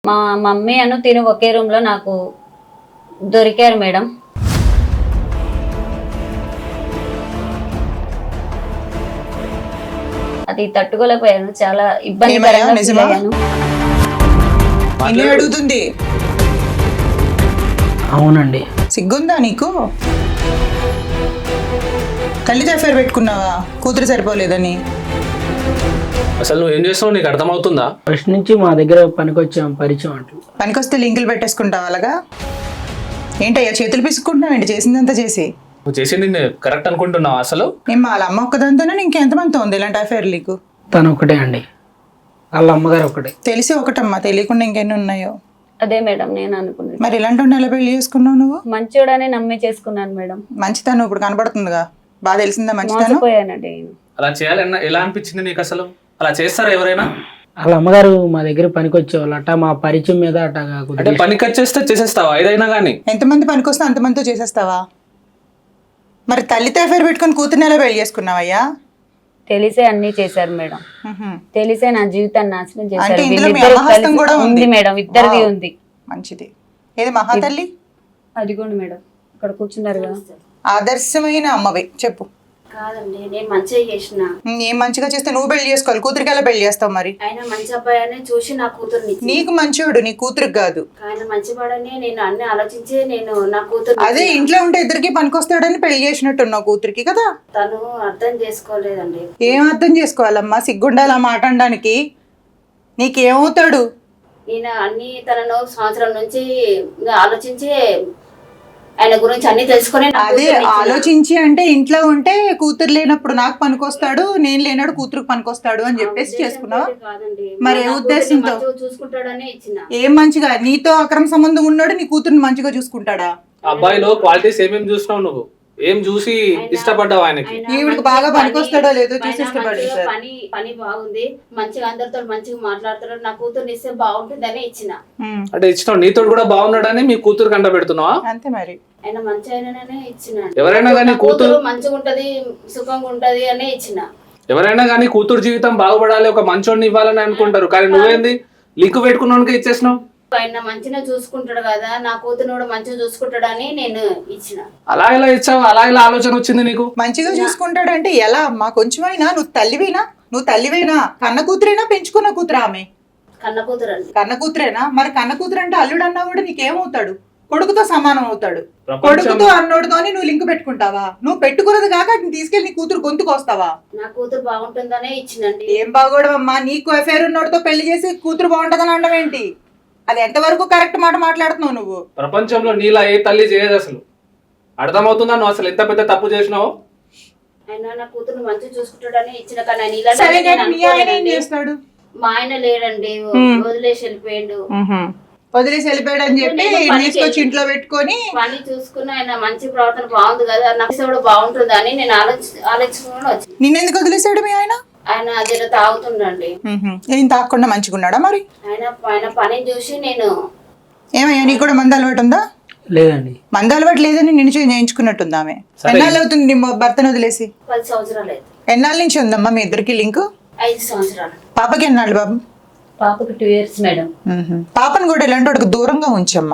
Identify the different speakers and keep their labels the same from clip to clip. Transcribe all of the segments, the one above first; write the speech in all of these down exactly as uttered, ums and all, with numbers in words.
Speaker 1: మా మమ్మీ అను తిను ఒకే రూమ్ లో నాకు దొరికారు మేడం. అది తట్టుకోలేకపోయాను, చాలా ఇబ్బందికరంగా ఫీల్ అయ్యాను.
Speaker 2: అడుగుతుంది
Speaker 3: అవునండి.
Speaker 2: సిగ్గుందా నీకు? తల్లితో అఫేర్ పెట్టుకున్నావా కూతురు సరిపోలేదని?
Speaker 4: అసలు నువ్వు ఏం చేస్తావు నీకు అర్థమవుతుందా?
Speaker 3: ఫస్ట్ నుంచి మా దగ్గర పనికొచ్చాం, పరిచయం అంటూ.
Speaker 2: పనికొస్తే లింకులు పెట్టేసుకుంటావు అలాగా? ఏంటయ్యా చేతులు పిసుకుంటున్నావు ఏంటి చేసిందంతా చేసి?
Speaker 4: నువ్వు చేసింది కరెక్ట్ అనుకుంటున్నావు అసలు?
Speaker 2: ఏం వాళ్ళ అమ్మ ఒక్కదాంతోనే ఇంకెంతమందితో ఉంది ఇలాంటి అఫేర్ నీకు?
Speaker 3: తను ఒకటే అండి, వాళ్ళ అమ్మగారు ఒకటే.
Speaker 2: తెలిసి ఒకటమ్మా, తెలియకుండా ఇంకెన్ని ఉన్నాయో?
Speaker 1: అదే మేడం నేను అనుకున్నాను.
Speaker 2: మరి ఇలాంటి నెల పెళ్లి చేసుకున్నావు నువ్వు?
Speaker 1: మంచోడనే నమ్మి చేసుకున్నాను మేడం.
Speaker 2: మంచితనం ఇప్పుడు కనబడుతుందిగా, బాగా తెలిసిందా మంచితనం?
Speaker 1: మోసపోయానండి.
Speaker 4: అలా చేయాలన్నా ఎలా అనిపించింది నీకు అసలు? అలా చేస్తారా ఎవరైనా?
Speaker 3: వాళ్ళ అమ్మగారు మా దగ్గర పనికొచ్చేవాళ్ళు అట్ట, మా పరిచయం మీద అట్ట కాకుండా.
Speaker 4: అంటే పనికి వచ్చేస్తే చేసేస్తావా ఏదైనా కానీ?
Speaker 2: ఎంతమంది పనికొస్తే అంతమందితో చేసేస్తావా? మరి తల్లితో అఫేర్ పెట్టుకుని కూతుర్ని ఎలా పెళ్లి చేసుకున్నావయ్యా?
Speaker 1: తెలిసే అన్ని చేశారు మేడం, తెలిసే నా జీవితాన్ని నాశనం
Speaker 2: అంటే
Speaker 1: చేశారు.
Speaker 2: ఇందులో మీ
Speaker 1: వీళ్ళిద్దరూ
Speaker 2: అమ్మహస్తం
Speaker 1: కలిసి-
Speaker 2: కూడా
Speaker 1: ఉంది
Speaker 2: ఉంది
Speaker 1: మేడం, ఇద్దరిది ఉంది.
Speaker 2: మంచిది. ఏది మహాతల్లి?
Speaker 1: అదిగోండి మేడం, ఇక్కడ కూర్చున్నారు కదా.
Speaker 2: ఆదర్శమైన అమ్మవి చెప్పు.
Speaker 5: కాదండి, నేను మంచిగా చేసిన.
Speaker 2: ఏం మంచిగా చేస్తే నువ్వు పెళ్లి చేసుకోవాలి, కూతురికి ఎలా పెళ్లి చేస్తావు మరి?
Speaker 5: ఆయన మంచి అబ్బాయి చూసి నా కూతురుని ఇచ్చి-
Speaker 2: నీకు మంచివాడు, నీ కూతురికి కాదు.
Speaker 5: ఆయన మంచివాడని నేను అన్ని ఆలోచించి నేను నా కూతురు
Speaker 2: అదే ఇంట్లో ఉంటే ఇద్దరికి పనికొస్తాడని పెళ్లి చేసినట్టున్నావు కూతురికి కదా.
Speaker 5: తను అర్థం చేసుకోలేదండి.
Speaker 2: ఏం అర్థం చేసుకోవాలమ్మా, సిగ్గుండాలి ఆ మాట అనడానికి. నీకేమవుతాడు?
Speaker 5: నేను అన్ని తనను సంవత్సరం నుంచి ఇంకా ఆలోచించి ఆయన గురించి అన్ని తెలుసుకొని నా
Speaker 2: అదే
Speaker 5: కూతురుని ఇచ్చిన.
Speaker 2: ఆలోచించి అంటే ఇంట్లో ఉంటే కూతురు లేనప్పుడు నాకు పనికొస్తాడు, నేను లేనాడు కూతురుకు పనికొస్తాడు అని చెప్పేసి చేసుకున్నావా?
Speaker 5: కాదండి,
Speaker 2: మరి ఏ
Speaker 5: నా కూతుర్ని
Speaker 2: ఉద్దేశంతో?
Speaker 5: మంచిగా చూసుకుంటాడని ఇచ్చిన.
Speaker 2: ఏం మంచిగా? నీతో అక్రమ సంబంధం ఉన్నాడు నీ కూతురుని మంచిగా చూసుకుంటాడా?
Speaker 4: అబ్బాయిలో క్వాలిటీస్ ఏమేమి చూసినావు నువ్వు? ఏం చూసి ఇష్టపడ్డావు ఆయనకి?
Speaker 5: ఆయన
Speaker 2: ఈవిడికి
Speaker 5: మంచిగా
Speaker 2: బాగా
Speaker 5: పని-
Speaker 2: పనికొస్తాడో లేదో చూసి
Speaker 5: ఆయన
Speaker 2: ఇష్టపడి
Speaker 5: మంచిగా
Speaker 2: సార్.
Speaker 5: పని పని బాగుంది, మంచిగా అందరితో మంచిగా మాట్లాడుతాడు, నా కూతుర్ని ఇస్తే బాగుంటుందని ఇచ్చిన.
Speaker 2: ఉమ్,
Speaker 4: అంటే ఇచ్చినావు, నీతో కూడా బాగున్నాడని మీ కూతురు కంట పెడుతున్నావా?
Speaker 2: అంతే మరి.
Speaker 5: ఆయన మంచి ఆయననే ఇచ్చిన.
Speaker 4: ఎవరైనా కానీ
Speaker 5: నా
Speaker 4: కూతురు
Speaker 5: మంచిగా ఉంటది, సుఖంగా ఉంటది అనే ఇచ్చిన.
Speaker 4: ఎవరైనా కానీ కూతురు జీవితం బాగుపడాలి, ఒక మంచోడిని ఇవ్వాలని అనుకుంటారు, కానీ నువ్వేంది లింక్ పెట్టుకున్నానికి ఇచ్చేసినావు?
Speaker 5: ఆయన మంచిగా చూసుకుంటాడు కదా, నా కూతురు కూడా మంచిగా చూసుకుంటాడని నేను ఇచ్చిన.
Speaker 4: అలా ఎలా ఇచ్చావు? అలా ఇలా ఆలోచన వచ్చింది నీకు?
Speaker 2: మంచిగా చూసుకుంటాడంటే ఎలా అమ్మా? కొంచెమైనా నువ్వు తల్లివేనా? నువ్వు తల్లివేనా? కన్న కూతురేనా పెంచుకున్న కూతురా ఆమె?
Speaker 5: కన్న కూతురు అండి.
Speaker 2: కన్న కూతురేనా? మరి కన్న కూతురు అంటే అల్లుడు అన్నా కూడా నీకేమవుతాడు? కొడుకుతో సమానం అవుతాడు.
Speaker 4: ప్రపంచం-
Speaker 2: కొడుకుతో అన్నోడుతోని నువ్వు లింక్ పెట్టుకుంటావా? నువ్వు పెట్టుకున్నది కాక అతను తీసుకెళ్లి నీ కూతురు గొంతుకు వస్తావా?
Speaker 5: నా కూతురు బాగుంటుందనే ఇచ్చినండి.
Speaker 2: ఏం బాగోడమ్మా, నీకు అఫేర్ ఉన్నోడితో పెళ్లి చేసి కూతురు బాగుంటదని అనడం ఏంటి? అది ఎంతవరకు కరెక్ట్ మాట మాట్లాడుతున్నావు నువ్వు?
Speaker 4: ప్రపంచంలో నీలా ఏ తల్లి చేయదు అసలు. అర్థమవుతుందా నువ్వు అసలు ఎంత పెద్ద తప్పు చేసినావు?
Speaker 5: ఆయన నా కూతురు మంచిగా చూసుకుంటాడని ఇచ్చిన, కానీ ఆయన ఇలాంటి
Speaker 2: సరే
Speaker 5: నేను
Speaker 2: కానీ మీ ఆయన ఏం
Speaker 5: అనుకోలేదండి.
Speaker 2: చేస్తాడు?
Speaker 5: మా ఆయన లేడండి, వదిలేసి వెళ్ళిపోయాడు.
Speaker 2: వదిలేసి వెళ్ళిపోయాడు అని చెప్పి
Speaker 5: నేను పనికి
Speaker 2: తీసుకొచ్చి ఇంట్లో పెట్టుకొని
Speaker 5: పని చూసుకుని ఆయన మంచి ప్రవర్తన బాగుంది కదా, నాకు కూడా బాగుంటుంది అని నేను ఆలోచి ఆలోచించుకుని వచ్చింది.
Speaker 2: నిన్నెందుకు వదిలేసాడు మీ ఆయన?
Speaker 5: ఆయన అదే తాగుతుండండి.
Speaker 2: ఏం తాకుండా మంచిగా ఉన్నాడా మరి?
Speaker 5: ఆయన ఆయన పని చూసి నేను
Speaker 2: ఏమయ్యా నీకు కూడా మంద అలవాటు ఉందా?
Speaker 3: లేదండి.
Speaker 2: మంద అలవాటు లేదని నిన్ను చేయి చేయించుకున్నట్టుంది ఆమె. ఎన్నాళ్ళు అవుతుంది నీ భర్తను వదిలేసి?
Speaker 5: పది సంవత్సరాలు అయితే.
Speaker 2: ఎన్నాళ్ళ నుంచి ఉందమ్మా మీ ఇద్దరికి లింక్?
Speaker 5: ఐదు సంవత్సరాలు.
Speaker 2: పాపకి ఎన్నాళ్ళు బాబు?
Speaker 1: పాపకు టూ ఇయర్స్ మేడం.
Speaker 2: పాపను కూడా ఇలాంటి వాడికి దూరంగా ఉంచమ్మా.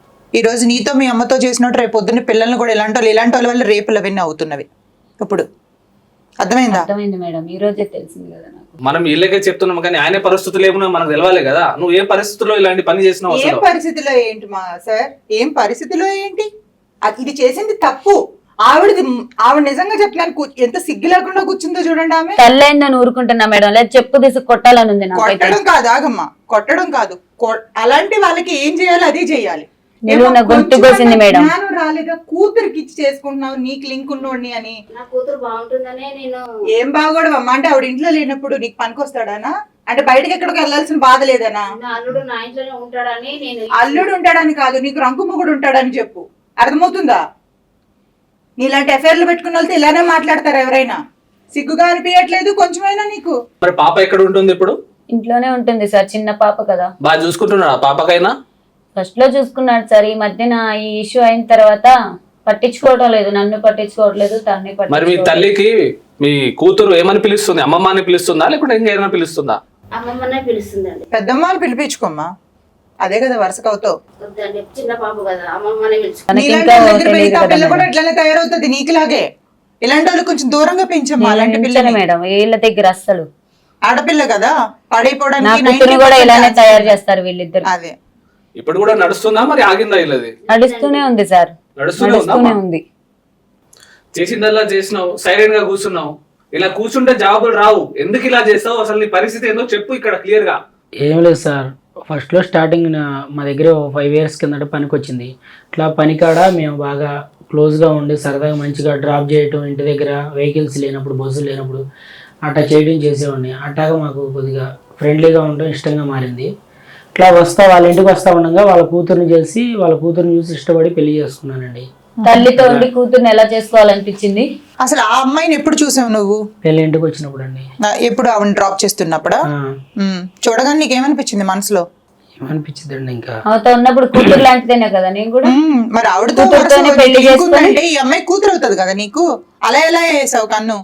Speaker 2: ఈ రోజు నీతో మీ అమ్మతో చేసినట్టు రేపు పొద్దున్న పిల్లల్ని కూడా ఇలాంటి వాళ్ళు ఇలాంటి వాళ్ళ వల్ల రేపులు అవన్నీ అవుతున్నవి. ఇప్పుడు అర్థమైందా?
Speaker 1: అర్థమైంది మేడం, ఈ రోజే తెలిసింది కదా నాకు.
Speaker 4: మనం వీళ్ళకే చెప్తున్నాం కానీ ఆయన పరిస్థితులు ఏమన్నా మనకు తెలవాలి కదా. నువ్వు ఏ పరిస్థితుల్లో ఇలాంటి పని చేసినావు
Speaker 2: ఏం
Speaker 4: అసలు?
Speaker 2: పరిస్థితిలో ఏంటి మా సార్? ఏం పరిస్థితిలో ఏంటి? అది ఇది చేసింది తప్పు. ఆవిడది ఆవిడ నిజంగా చెప్తున్నాను, కూ- ఎంత సిగ్గు లేకుండా కూర్చుందో చూడండి ఆమె.
Speaker 1: తల్లైందని ఊరుకుంటున్నా మేడం, లేదా చెప్పు తీసి కొట్టాలని ఉంది నాకైతే.
Speaker 2: కొట్టడం కాదు, ఆగమ్మా, కొట్టడం కాదు. కొ- అలాంటి వాళ్ళకి ఏం చేయాలి అదే చేయాలి.
Speaker 1: నేను నా గొంతు కోసింది మేడం.
Speaker 2: జ్ఞానం రాలేదా? కూతురికి ఇచ్చి చేసుకుంటున్నావు నీకు లింక్ ఉన్నోడిని అని.
Speaker 5: నా కూతురు బాగుంటుందనే నేను.
Speaker 2: ఏం బాగోడమ్మా అంటే ఆవిడ ఇంట్లో లేనప్పుడు నీకు పనికొస్తాడానా? అంటే బయటకి ఎక్కడికి వెళ్ళాల్సిన బాధ లేదనా?
Speaker 5: నా అల్లుడు నా ఇంట్లోనే ఉంటాడని నేను.
Speaker 2: అల్లుడు ఉంటాడని కాదు, నీకు రంకు మొగుడు ఉంటాడని చెప్పు. అర్థమవుతుందా? నీలాంటి అఫైర్లు పెట్టుకున్న వాళ్ళతో ఇలానే మాట్లాడతారు ఎవరైనా? సిగ్గుగా అనిపించట్లేదు కొంచెమైనా నీకు?
Speaker 4: మరి పాప ఎక్కడ ఉంటుంది ఇప్పుడు?
Speaker 1: ఇంట్లోనే ఉంటుంది సార్, చిన్న పాప కదా.
Speaker 4: బాగా చూసుకుంటున్నాడు ఆ పాపకైనా?
Speaker 1: ఫస్ట్ లో చూసుకున్నాడు సార్, ఈ మధ్యన ఈ ఇష్యూ అయిన తర్వాత పట్టించుకోవడం లేదు, నన్ను పట్టించుకోవట్లేదు, తనని
Speaker 4: మరి మీ
Speaker 1: పట్టించుకోవట్లేదు.
Speaker 4: తల్లికి మీ కూతురు ఏమని పిలుస్తుంది? అమ్మమ్మ అని పిలుస్తుందా లేకుంటే ఇంకేమైనా పిలుస్తుందా?
Speaker 5: అమ్మమ్మనే పిలుస్తుందండి.
Speaker 2: పెద్దమ్మ అని పిలిపించుకోమ్మా. అదే కదా వరుసకు అవుతావు.
Speaker 5: వద్దండి, చిన్న పాప కదా, అమ్మమ్మని పిలుచు.
Speaker 1: మనకి
Speaker 2: నీలాంటి
Speaker 1: ఇంకా
Speaker 2: వాళ్ళ దగ్గర
Speaker 1: తెలియదు
Speaker 2: పెరిగితే ఆ
Speaker 1: కదా
Speaker 2: పిల్ల కూడా
Speaker 1: మేడం.
Speaker 2: ఇట్లానే తయారవుతుంది నీకులాగే. ఇలాంటి వాళ్ళు కొంచెం దూరంగా పెంచమ్మా అలాంటి
Speaker 1: నేను
Speaker 2: పిల్లని.
Speaker 1: ఉంచను మేడం వీళ్ళ దగ్గర అస్సలు.
Speaker 2: ఆడపిల్ల కదా
Speaker 1: నా
Speaker 2: పడైపోవడానికి
Speaker 1: కూతురు
Speaker 2: ninety
Speaker 1: కూడా
Speaker 2: percent
Speaker 1: ఇలానే
Speaker 2: chance
Speaker 1: తయారు
Speaker 2: ఉంది.
Speaker 1: చేస్తారు వీళ్ళిద్దరు.
Speaker 2: అదే
Speaker 4: ఇప్పుడు కూడా నడుస్తుందా మరి ఆగిందా ఇల్లది?
Speaker 1: నడుస్తూనే ఉంది సార్,
Speaker 4: నడుస్తూనే
Speaker 1: నడుస్తూనే
Speaker 4: ఉందా?
Speaker 1: ఉంది.
Speaker 4: చేసిందల్లా చేసినావు, సైలెంట్ గా కూర్చున్నావు. ఇలా కూర్చుంటే జవాబులు రావు. ఎందుకు ఇలా చేస్తావు? అసలు నీ పరిస్థితి ఏందో చెప్పు ఇక్కడ క్లియర్ గా.
Speaker 3: ఏం లేదు సార్, ఫస్ట్లో స్టార్టింగ్ నా- మా దగ్గర ఫైవ్ ఇయర్స్ కిందట పనికి వచ్చింది. ఇట్లా పనికాడ మేము బాగా క్లోజ్గా ఉండి సరదాగా మంచిగా డ్రాప్ చేయటం, ఇంటి దగ్గర వెహికల్స్ లేనప్పుడు బస్సులు లేనప్పుడు అట్లా చేయడం చేసేవాడిని. అట్లాగా మాకు కొద్దిగా ఫ్రెండ్లీగా ఉండడం ఇష్టంగా మారింది. ఇట్లా వస్తా వాళ్ళ ఇంటికి వస్తా ఉండగా వాళ్ళ కూతుర్ని చేసి వాళ్ళ కూతుర్ని చూసి ఇష్టపడి పెళ్లి చేసుకున్నానండి.
Speaker 1: తల్లితో ఉండి కూతుర్ని ఎలా చేసుకోవాలనిపించింది.
Speaker 2: అసలు ఆ అమ్మాయిని ఎప్పుడు చూసావు నువ్వు?
Speaker 3: పెళ్లి ఇంటికి వచ్చినప్పుడు అండి.
Speaker 2: నా- ఎప్పుడు ఆవిడ డ్రాప్ చేస్తున్నప్పుడా?
Speaker 3: ఆ,
Speaker 2: ఉమ్. చూడగానే నీకేమనిపించింది మనసులో?
Speaker 3: ఏమనిపించిందండి ఇంకా
Speaker 1: ఆమెతో ఉన్నప్పుడు కూతురు లాంటిదేనే కదా నేను కూడా.
Speaker 2: ఉమ్, మరి ఆవిడతో
Speaker 1: కూతురుతోనే
Speaker 2: వరుస
Speaker 1: పెళ్లి
Speaker 2: నీకు
Speaker 1: చేసుకొని-
Speaker 2: ఉందంటే ఈ అమ్మాయి కూతురు అవుతుంది కదా నీకు. అలా ఎలా వేసావు కన్ను?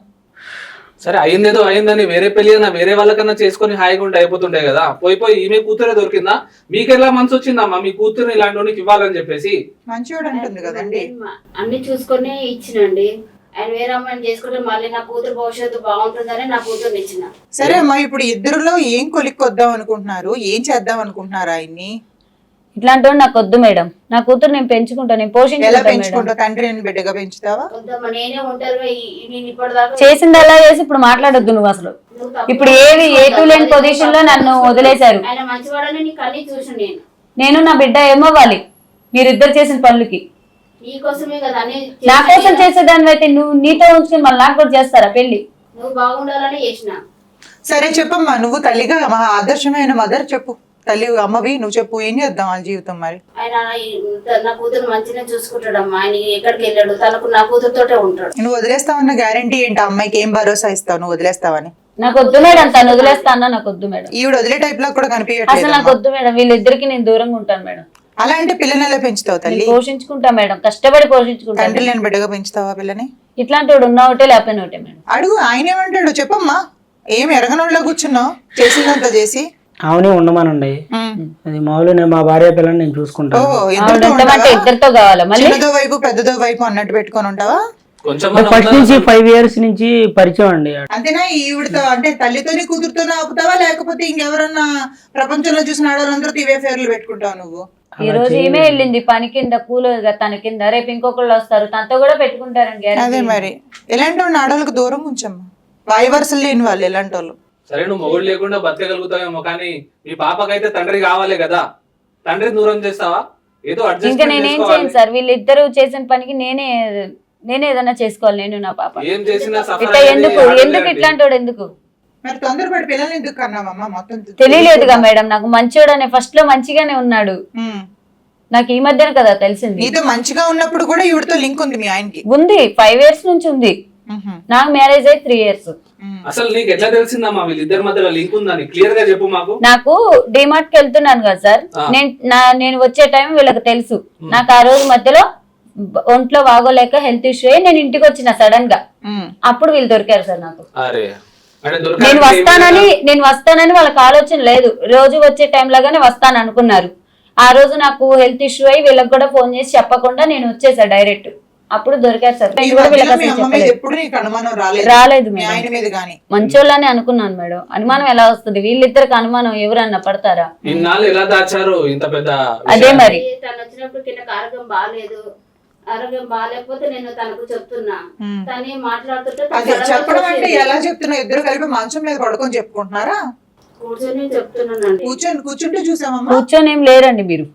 Speaker 4: సరే అయిందేదో అయిందని వేరే పెళ్లి అయినా వేరే వాళ్ళకన్నా చేసుకొని హాయిగా ఉంటే అయిపోతుండే కదా. పోయి పోయి ఈమె కూతురే దొరికిందా? మీకెలా మనసు వచ్చిందమ్మా మీ కూతురుని ఇలాంటి వానికి ఇవ్వాలని చెప్పేసి?
Speaker 2: మంచివాడు అంటుంది కదండి.
Speaker 5: అన్ని చూసుకొని ఇచ్చినండి. ఆయన వేరే అమ్మాయిని చేసుకుంటే మళ్ళీ నా కూతురు భవిష్యత్తు బాగుంటుందని నా కూతురుని ఇచ్చిన.
Speaker 2: సరే అమ్మా, ఇప్పుడు ఇద్దరులో ఏం కొలిక్కొద్దాం అనుకుంటున్నారు? ఏం చేద్దాం అనుకుంటున్నారు ఆయన్ని?
Speaker 1: ఇట్లాంటి వాడు నాకు వద్దు మేడం. నా కూతురు నేను పెంచుకుంటా, నేను
Speaker 2: ఎలా
Speaker 1: పోషించుకుంటా మేడం.
Speaker 2: పెంచుకుంటావు? తండ్రి అని బిడ్డగా పెంచుతావా?
Speaker 5: వద్దమ్మా, నేనే ఉంటారుగా ఈ- నేను ఇప్పటిదాకా
Speaker 1: చేసింది అలా చేసి ఇప్పుడు మాట్లాడొద్దు నువ్వు అసలు.
Speaker 5: నువ్వు తప్పు
Speaker 1: ఇప్పుడు ఏవి ఏ టూ లేని పొజిషన్ లో నన్ను వదిలేశారు.
Speaker 5: ఆయన మంచివాడని నీకు అన్ని చూసి నేను
Speaker 1: నేను నా బిడ్డ ఏమవ్వాలి మీరిద్దరు చేసిన పనులకి?
Speaker 5: నీకోసమే కదా అన్ని
Speaker 1: నా
Speaker 5: చేసిన
Speaker 1: కోసం
Speaker 5: నేను.
Speaker 1: చేసేదాన్ని అయితే నువ్వు నీతో ఉంచుకుని మళ్ళీ నాకు కూడా చేస్తారా పెళ్లి?
Speaker 5: నువ్వు బాగుండాలని చేసిన.
Speaker 2: సరే చెప్పమ్మా, నువ్వు తల్లిగా మహా ఆదర్శమైన మదర్ చెప్పు. తల్లి అమ్మవి నువ్వు చెప్పు, ఏం చేద్దాం వాళ్ళ జీవితం మరి?
Speaker 5: ఆయన ఈ- నా కూతురు మంచిగా చూసుకుంటాడమ్మా. ఆయన ఎక్కడికి వెళ్ళాడు, తనకు నా కూతురుతోటే ఉంటాడు.
Speaker 2: నువ్వు వదిలేస్తావన్న గ్యారంటీ ఏంటి? ఆ అమ్మాయికి ఏం భరోసా ఇస్తావు నువ్వు వదిలేస్తావని?
Speaker 1: నాకు వద్దు మేడం, తను వదిలేస్తానా? నాకు వద్దు మేడం,
Speaker 2: ఈవిడ వదిలే టైప్ లో కూడా
Speaker 1: అసలు
Speaker 2: కనిపించట్లేదు.
Speaker 1: నాకు వద్దు మేడం. వీళ్ళిద్దరికి నేను దూరంగా ఉంటాను మేడం.
Speaker 2: అలా అంటే పిల్లని ఎలా పెంచుతావు తల్లి?
Speaker 1: నేను పోషించుకుంటా మేడం, కష్టపడి పోషించుకుంటాను.
Speaker 2: తండ్రి లేని బిడ్డగా పెంచుతావా పిల్లని?
Speaker 1: ఇట్లాంటి వాడు ఉన్న ఒకటే లేకపోయిన ఒకటే మేడం.
Speaker 2: అడుగు, ఆయన ఏమంటాడు చెప్పమ్మా. ఏం ఎరగనోళ్ళ కూర్చున్నావు చేసిందంతా చేసి?
Speaker 3: ఆమెనే ఉండమానండి.
Speaker 2: ఉమ్.
Speaker 3: అది మామూలు నేను మా భార్య పిల్లని నేను
Speaker 2: ఓ,
Speaker 3: చూసుకుంటాను.
Speaker 2: ఇద్దరితో
Speaker 1: ఆవిడ
Speaker 2: ఉంటావా?
Speaker 1: ఉండమంటే ఇద్దరితో కావాలా మళ్ళీ?
Speaker 2: చిన్నదో వైపు పెద్దదో వైపు అన్నట్టు పెట్టుకొని ఉంటావా?
Speaker 4: కొంచెం
Speaker 3: ఫస్ట్ నుంచి ఫైవ్ ఇయర్స్ నుంచి పరిచయం అండి.
Speaker 2: అంతేనా? ఈవిడతో అంటే తల్లితోని కూతురుతోనే ఆపుతావా, లేకపోతే ఇంకెవరన్నా ప్రపంచంలో చూసిన ఆడవాళ్ళందరితో ఇవే పేర్లు పెట్టుకుంటావు నువ్వు?
Speaker 1: ఈ రోజు ఈమె వెళ్ళింది పని కింద కూలగా తన కింద, రేపు ఇంకొకళ్ళు వస్తారు తనతో కూడా పెట్టుకుంటారండి.
Speaker 2: అదే మరి ఎలాంటి వాళ్ళని ఆడవాళ్ళకి దూరం ఉంచమ్మా. వాయి వరుసలు లేని వాళ్ళు ఎలాంటి వాళ్ళు.
Speaker 4: సరే నువ్వు మొగుడు లేకుండా బతకగలుగుతావేమో, కానీ మీ పాపకైతే తండ్రి కావాలి కదా. తండ్రి దూరం చేస్తావా? ఏదో
Speaker 1: ఇంకా
Speaker 4: అడ్జస్ట్
Speaker 1: నేనేం చేయను సార్. వీళ్ళిద్దరు చేసిన పనికి నేనే నేనే ఏదైనా చేసుకోవాలి. నేను నా పాప
Speaker 4: ఏం చేసినా suffer
Speaker 1: ఇట్లా
Speaker 4: అయ్యేది
Speaker 1: ఎందుకు
Speaker 4: ఆడపిల్లే
Speaker 1: ఎందుకు
Speaker 4: అండి.
Speaker 1: ఇట్లాంటి వాడు ఎందుకు?
Speaker 2: మరి తొందరపడి పిల్లల్ని ఎందుకు కన్నామమ్మా? మొత్తం
Speaker 1: తెలియలేదుగా మేడం నాకు. మంచివాడు అనే ఫస్ట్ లో మంచిగానే ఉన్నాడు.
Speaker 2: ఉమ్.
Speaker 1: నాకు ఈ మధ్యన కదా తెలిసింది.
Speaker 2: నీతో మంచిగా ఉన్నప్పుడు కూడా ఈవిడతో లింక్ ఉంది మీ ఆయనకి.
Speaker 1: ఉంది, ఫైవ్ ఇయర్స్ నుంచి ఉంది.
Speaker 2: ఉహుం.
Speaker 1: నాకు మ్యారేజ్ అయ్యి త్రీ ఇయర్స్.
Speaker 2: ఉమ్.
Speaker 4: అసలు నీకు ఎట్లా తెలిసిందమ్మా వీళ్ళిద్దరి మధ్యలో లింక్ ఉందని? క్లియర్ గా చెప్పు మాకు.
Speaker 1: నాకు డిమార్ట్ కి వెళ్తున్నాను కదా సార్,
Speaker 4: ఆ.
Speaker 1: నేను నా నేను వచ్చే టైం వీళ్ళకి తెలుసు. నాకు ఆ రోజు మధ్యలో బ- ఒంట్లో బాగోలేక హెల్త్ ఇష్యూ అయ్యి నేను ఇంటికి వచ్చిన సడన్ గా.
Speaker 2: ఉమ్.
Speaker 1: అప్పుడు వీళ్ళు దొరికారు సార్ నాకు.
Speaker 4: అరే అంటే
Speaker 1: నేను
Speaker 4: దొరకాలంటే
Speaker 1: వస్తానని
Speaker 4: ఏమైనా-
Speaker 1: నేను వస్తానని వాళ్ళకి ఆలోచన లేదు. రోజు వచ్చే టైం లాగానే వస్తాను అనుకున్నారు. ఆ రోజు నాకు హెల్త్ ఇష్యూ అయ్యి వీళ్ళకి కూడా ఫోన్ చేసి చెప్పకుండా నేను వచ్చేసా డైరెక్ట్. అప్పుడు దొరికారు సార్.
Speaker 2: ఈ
Speaker 1: నేను కూడా
Speaker 2: మధ్యలో
Speaker 1: వీళ్ళకి
Speaker 2: మీ
Speaker 1: అసలు
Speaker 2: అమ్మ మీద
Speaker 1: చెప్పలేదు.
Speaker 2: ఎప్పుడు నీకు అనుమానం రాలేదు?
Speaker 1: రాలేదు
Speaker 2: మీ
Speaker 1: మేడం.
Speaker 2: ఆయన మీద గానీ?
Speaker 1: మంచోళ్ళని అనుకున్నాను మేడం. అనుమానం ఎలా వస్తుంది? వీళ్ళిద్దరికి అనుమానం ఎవరన్నా పడతారా?
Speaker 4: ఇన్నాళ్ళు ఎలా దాచారు ఇంత పెద్ద
Speaker 1: అదే
Speaker 4: విషయాన్ని?
Speaker 1: మరి.
Speaker 5: తను వచ్చినప్పుడు కింద ఆరోగ్యం బాగాలేదు. ఆరోగ్యం బాగాలేకపోతే నేను తనకు చెప్తున్నా.
Speaker 2: ఉమ్.
Speaker 5: తనే మాట్లాడుతుంటే తను
Speaker 2: అది
Speaker 5: సడన్గా
Speaker 2: చెప్పడం అంటే
Speaker 5: చూసింది.
Speaker 2: ఎలా చెప్తున్నా? ఇద్దరు కలిపి మంచం మీద పడుకొని చెప్పుకుంటున్నారా?
Speaker 5: కూర్చొని చెప్తున్నానండి.
Speaker 2: కూర్చొని కూర్చుంటే చూసామమ్మా.
Speaker 1: కూర్చొని ఏం లేరండి మీరు.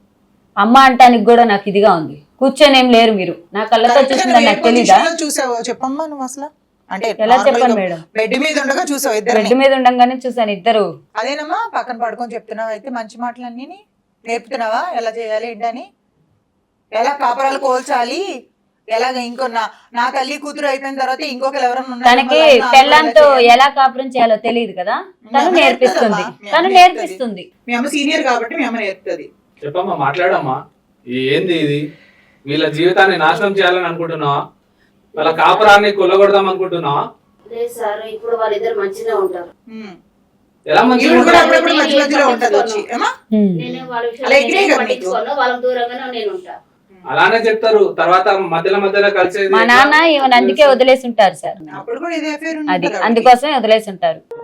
Speaker 1: అమ్మ అంటానికి కూడా నాకు ఇదిగా ఉంది. కూర్చొని ఏం లేరు మీరు. నా కళ్ళతో
Speaker 2: కరెక్ట్గా
Speaker 1: చూసిందని
Speaker 2: నువ్వు ఏ
Speaker 1: నాకు తెలీదా?
Speaker 2: పొజిషన్లో చూసావో చెప్పమ్మా నువ్వు అసలు. అంటే
Speaker 1: ఎలా చెప్పను మేడం?
Speaker 2: బెడ్ మీద ఉండగా చూసావు ఇద్దరిని?
Speaker 1: బెడ్ మీద ఉండగానే చూసాను ఇద్దరు.
Speaker 2: అదేనమ్మా పక్కన పడుకొని చెప్తున్నావు అయితే మంచి మాటలన్నీ నేర్పుతున్నావా? ఎలా చేయాలి ఏంటని, ఎలా కాపురాలు కోల్చాలి, ఎలాగ ఇంకో నా నా తల్లి కూతురు అయిపోయిన తర్వాత ఇంకొకరు ఎవరన్నా ఉన్నారేమో
Speaker 1: తనకి
Speaker 2: లైఫ్లో అందులో
Speaker 1: పెళ్ళంతో
Speaker 2: ఎలా చేయాలి?
Speaker 1: ఎలా కాపురం చేయాలో తెలియదు కదా.
Speaker 2: మీ
Speaker 1: తను
Speaker 2: అమ్మ
Speaker 1: నేర్పిస్తుంది.
Speaker 2: నేర్పుతుందమ్మా. మీ
Speaker 1: తను
Speaker 2: అమ్మ
Speaker 1: నేర్పిస్తుంది.
Speaker 2: మీ అమ్మ సీనియర్ కాబట్టి మీ అమ్మ నేర్పుతుంది.
Speaker 4: చెప్పమ్మా, మాట్లాడమ్మా. ఈ ఏంది ఇది? వీళ్ళ జీవితాన్ని నాశనం చేయాలని అనుకుంటున్నావా? వాళ్ళ కాపురాన్ని కొల్లగొడదాం అనుకుంటున్నావా?
Speaker 5: లేదు సార్, ఇప్పుడు వాళ్ళిద్దరు మంచిగా ఉంటారు.
Speaker 2: ఉమ్.
Speaker 4: ఎలా మంచిగా
Speaker 2: ఈవిడ కూడా
Speaker 4: ఉంటారు?
Speaker 2: అప్పుడప్పుడు మధ్య మధ్యలో ఉంటది వచ్చి ఏమా
Speaker 1: ఉమ్.
Speaker 5: నేను వాళ్ళ విషయంలో
Speaker 2: అలా ఎగిరే
Speaker 5: నేను
Speaker 2: కదా
Speaker 5: పట్టించుకోను, వాళ్ళకి దూరంగానే నేను ఉంటా.
Speaker 4: అలానే చెప్తారు తర్వాత మధ్యలో మధ్యలో కలిసేది
Speaker 1: మా నాన్న ఈవెన్ అందుకే వదిలేసి ఉంటారు సార్
Speaker 2: అప్పుడు కూడా ఇదే affair
Speaker 1: అది
Speaker 2: ఉంటుంది
Speaker 1: అందుకోసమే వదిలేసి ఉంటారు